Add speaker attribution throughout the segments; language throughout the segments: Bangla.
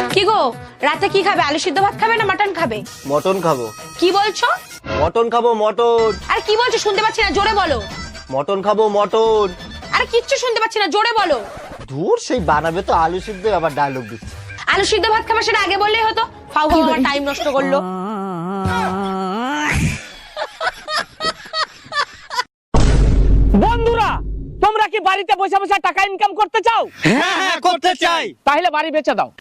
Speaker 1: কি গো, রাতে কি খাবে? আলু সিদ্ধ ভাত খাবে না মটন খাবে?
Speaker 2: মটন খাবো।
Speaker 1: কি বলছো?
Speaker 2: মটন খাবো, মটন।
Speaker 1: আরে কি বলছো শুনতে পাচ্ছি না, জোরে বলো।
Speaker 2: মটন খাবো, মটন।
Speaker 1: আরে কিচ্ছু শুনতে পাচ্ছি না, জোরে বলো।
Speaker 2: দূর, সেই বানাবে তো আলু সিদ্ধ, আবার ডায়লগ দিচ্ছে।
Speaker 1: আলু সিদ্ধ ভাত খাবে, সেটা আগে বললেই হতো। ফাউ ফাউ আমার টাইম নষ্ট করলো।
Speaker 3: বন্ধুরা, তোমরা কি বাড়িতে বসে বসে টাকা ইনকাম করতে চাও?
Speaker 2: হ্যাঁ, করতে চাই।
Speaker 3: তাহলে বাড়ি বেচে দাও।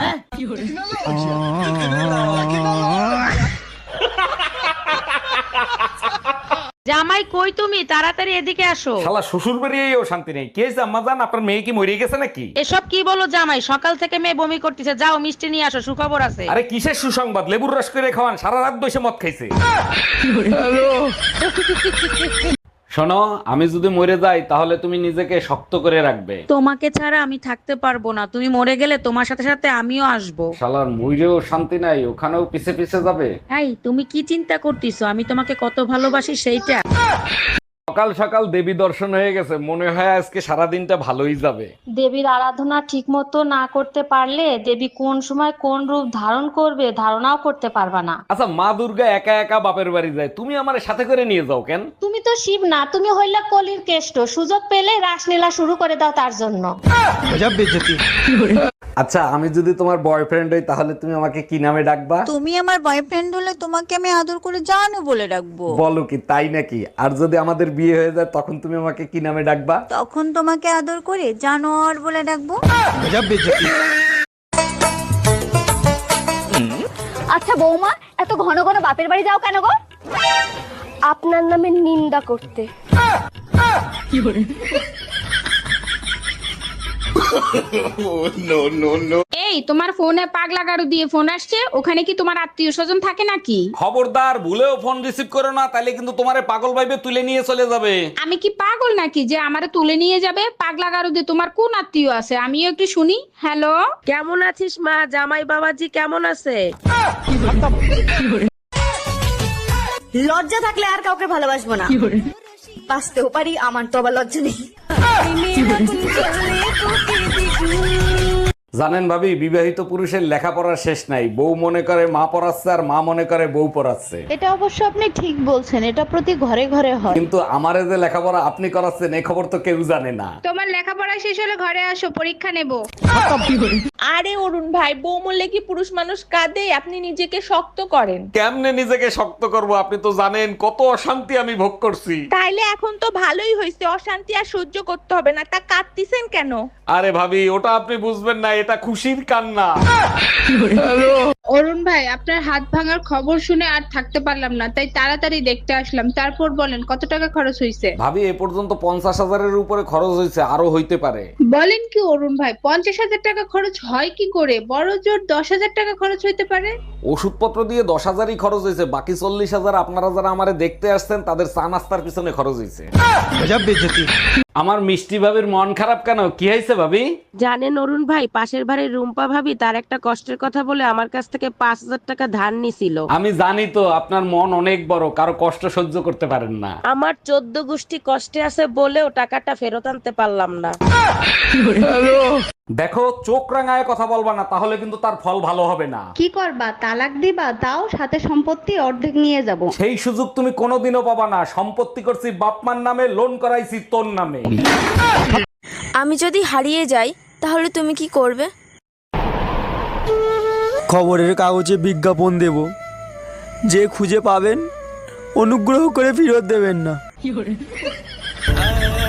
Speaker 4: জামাই কই তুমি? তাড়াতাড়ি এদিকে আসো।
Speaker 5: শালা শ্বশুর বাড়িয়েও শান্তি নেই। কে আম্মা জান, আপনার মেয়ে কি মরে গেছে নাকি?
Speaker 4: এসব কি বলো জামাই? সকাল থেকে মেয়ে বমি করতেছে, যাও মিষ্টি নিয়ে আসো, সুখবর আছে।
Speaker 5: আরে কিসের সুসংবাদ? লেবুর রস করে খাওয়ান, সারা রাত বসে মদ খাইছে। শোনো, আমি যদি মরে যাই তাহলে তুমি নিজেকে শক্ত করে রাখবে।
Speaker 4: তোমাকে ছাড়া আমি থাকতে পারবো না, তুমি মরে গেলে তোমার সাথে সাথে আমিও আসবো।
Speaker 5: শালার মইরেও শান্তি নাই, ওখানেও পিছে পিছে যাবে।
Speaker 4: এই তুমি কি চিন্তা করতেছো? আমি তোমাকে কত ভালোবাসি সেইটা।
Speaker 5: সকাল সকাল দেবী দর্শন হয়ে গেছে, মনে হয় আজকে সারা দিনটা ভালোই যাবে।
Speaker 6: দেবীর আরাধনা ঠিকমতো না করতে পারলে দেবী কোন সময় কোন রূপ ধারণ করবে ধারণাও করতে পারবা না।
Speaker 5: আচ্ছা, মা দুর্গা একা একা বাপের বাড়ি যায়, তুমি আমার সাথে করে নিয়ে যাও কেন?
Speaker 6: তুমি তো শিব না, তুমি হইলা কলির কেষ্ট, সুযোগ পেলে রাসলীলা শুরু করে দাও তার জন্য।
Speaker 5: আচ্ছা, আমি যদি তোমার বয়ফ্রেন্ড হই তাহলে তুমি আমাকে কি নামে ডাকবা?
Speaker 7: তুমি আমার বয়ফ্রেন্ড হলে তোমাকে আমি আদর করে জানু বলে ডাকবো।
Speaker 5: বলো কি, তাই নাকি? আর যদি আমাদের বিয়ে হয়ে যায় তখন তুমি আমাকে কি নামে ডাকবা?
Speaker 7: তখন তোমাকে আদর করে জানোয়ার বলে ডাকবো।
Speaker 8: আচ্ছা বৌমা, এত ঘন ঘন বাপের বাড়ি যাও কেন গো? আপনার নামে নিন্দা করতে।
Speaker 9: এই তোমার ফোনে পাগলা গাড়ু দিয়ে ফোন আসছে, ওখানে কি তোমার আত্মীয় স্বজন থাকে নাকি?
Speaker 5: খবরদার, ভুলেও ফোন রিসিভ করো না, তাহলে কিন্তু তোমারে পাগল ভাইবে তুলে নিয়ে চলে যাবে।
Speaker 9: আমি কি পাগল নাকি যে আমারে তুলে নিয়ে যাবে? পাগলা গাড়ু দিয়ে তোমার কোন আত্মীয় আছে আমিও একটু শুনি। হ্যালো,
Speaker 4: কেমন আছিস মা? জামাই বাবাজি কেমন আছে?
Speaker 8: লজ্জা থাকলে আর কাউকে ভালোবাসবো না। বাঁচতেও পারি, আমার তো আবার লজ্জা নেই।
Speaker 5: জানেন ভাবি, বিবাহিত পুরুষের লেখাপড়ার শেষ নাই। বউ মনে করে মা পড়াচ্ছে আর মা মনে করে বউ পড়াচ্ছে।
Speaker 6: এটা অবশ্য আপনি ঠিক বলছেন, এটা প্রতি ঘরে ঘরে হয়।
Speaker 5: কিন্তু আমারে যে লেখাপড়া আপনি করাচ্ছেন এই খবর তো কেউ জানে না।
Speaker 9: তোমার লেখাপড়া শেষ হলে ঘরে আসো, পরীক্ষা নেব।
Speaker 1: আরে অরুণ ভাই, বউ মরলে কি পুরুষ মানুষ কাঁদে? আপনি নিজেকে শক্ত করেন।
Speaker 5: কেমনে নিজেকে শক্ত করব? আপনি তো জানেন কত অশান্তি আমি ভোগ করছি।
Speaker 1: তাইলে এখন তো ভালোই হয়েছে, অশান্তি আর সহ্য করতে হবে না। তা কাঁদতিছেন কেন?
Speaker 5: আরে ভাবি, ওটা আপনি বুঝবেন না, এটা খুশির কান্না।
Speaker 9: অরুণ ভাই, আপনার হাত ভাঙার খবর শুনে আর থাকতে পারলাম না, তাই তাড়াতাড়ি দেখতে আসলাম। তারপর বলেন কত টাকা খরচ হয়েছে?
Speaker 5: ভাবি, এ পর্যন্ত 50,000-এর উপরে খরচ হয়েছে, আরো হইতে পারে।
Speaker 9: বলেন কি অরুণ ভাই, 50,000 টাকা খরচ হয় কি করে? বড় জোর 10,000 টাকা খরচ হইতে পারে।
Speaker 5: ওষুধপত্র দিয়ে 10,000-ই খরচ হয়েছে, বাকি 40,000 আপনারা যারা আমারে দেখতে আসছেন তাদের চা নাস্তার পিছনে খরচ হয়েছে। আমার মিষ্টি ভাবির মন খারাপ কেন? কি হয়েছে ভাবি?
Speaker 4: জানেন অরুণ ভাই, পাশের বাড়ির রুম্পা ভাবি তার একটা কষ্টের কথা বলে আমার কাছ থেকে 5,000 টাকা ধার নিছিল।
Speaker 5: আমি জানি তো, আপনার মন অনেক বড়, কারো কষ্ট সহ্য করতে পারেন না।
Speaker 4: আমার 14 গোষ্ঠী কষ্টে আছে বলেও টাকাটা ফেরত আনতে পারলাম না।
Speaker 5: দেখো, চোখ রাঙায় কথা বলবা না, তাহলে কিন্তু তার ফল ভালো হবে না।
Speaker 6: কি করবা? তালাক দিবা? তাও সাথে সম্পত্তি অর্ধেক নিয়ে যাব।
Speaker 5: সেই সুযোগ তুমি কোনোদিনও পাবা না। সম্পত্তি করছি বাপমার নামে, লোন করাইছি তোর নামে।
Speaker 8: আমি যদি হারিয়ে যাই তাহলে তুমি কি করবে?
Speaker 2: খবরের কাগজে বিজ্ঞাপন দেব, যে খুঁজে পাবেন অনুগ্রহ করে ফেরত দেবেন না।